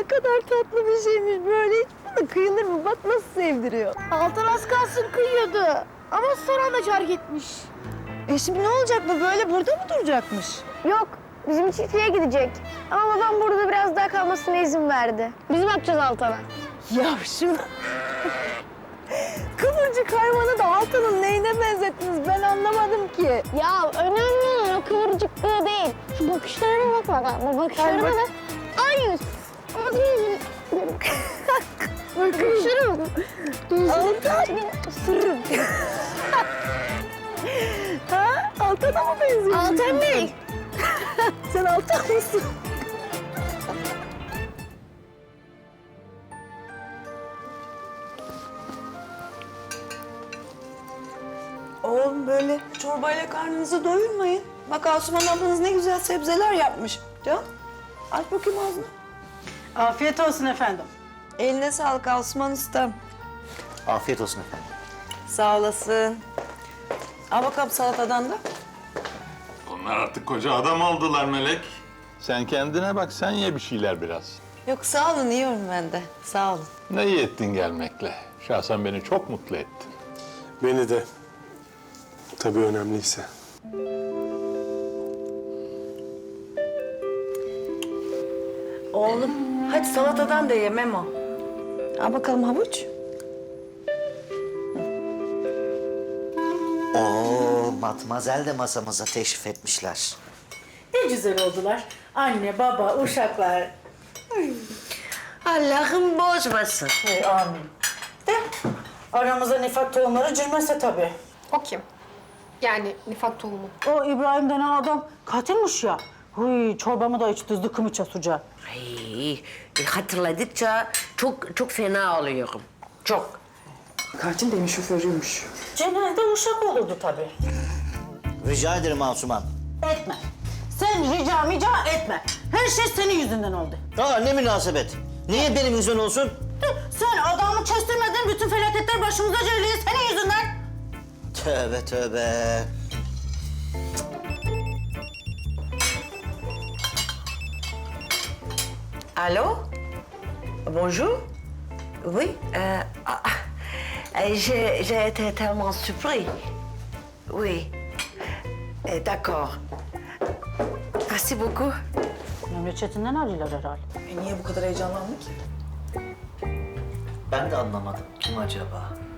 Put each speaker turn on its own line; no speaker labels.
ne kadar tatlı bir şeymiş böyle. Hiç buna kıyılır mı? Bak nasıl sevdiriyor.
Altan az kalsın kıyıyordu. Ama son anda terk etmiş.
Şimdi ne olacak bu? Böyle burada mı duracakmış?
Yok, bizim çiftliğe gidecek. Ama babam burada biraz daha kalmasına izin verdi. Biz bakacağız Altan'a.
Ya şunu... Kıvırcık hayvanı da Altan'ın neyine benzettiniz? Ben anlamadım ki.
Ya önemli olan o kıvırcıklığı değil. Şu bakışlarına bak bakalım. Bu bakışlarına bak. Aynı. Bakışlara bak.
Altan!
Sırrım.
Ha? Altan'a mı benziyorsun?
Altan Bey.
Sen Altan mısın? Oğlum böyle çorbayla karnınızı doyurmayın. Bak Asuman ablanız ne güzel sebzeler yapmış. Can, aç bakayım ağzını.
Afiyet olsun efendim.
Eline sağlık Asuman ustam.
Afiyet olsun efendim.
Sağ olasın. Al bakalım salatadan da.
Onlar artık koca adam oldular Melek. Sen kendine bak, sen ye bir şeyler biraz.
Yok sağ olun, yiyorum ben de. Sağ olun.
Ne iyi ettin gelmekle. Şahsen beni çok mutlu ettin.
Beni de. Tabii önemliyse.
Oğlum, hadi salatadan da ye Memo.
Al bakalım havuç.
Oo, Matmazel de masamıza teşrif etmişler.
Ne güzel oldular. Anne, baba, uşaklar.
Allah'ım bozmasın.
Amin. De aramıza nifak tohumları girmese tabii.
O kim? Yani nifak tohumu.
O İbrahim denen adam katilmiş ya. Huy, çorbamı da içti zıkkımıça suca.
Ay, hatırladıkça çok fena oluyorum. Çok.
Katil demiş, şoförüymüş.
Genelde uşak olurdu tabii.
Rica ederim Asuman.
Etme. Sen rica etme. Her şey senin yüzünden oldu.
Aa, ne münasebet. Niye benim yüzüm olsun?
Sen adamı kestirmedin, bütün felaketler başımıza geliyor senin yüzünden.
Tövbe tövbe.
Allô? Bonjour? Oui? J'ai été tellement surpris. Oui. D'accord. Merci beaucoup.
Memleketinden arıyorlar herhalde.
Niye bu kadar heyecanlandı ki?
Ben de anlamadım. Kim acaba?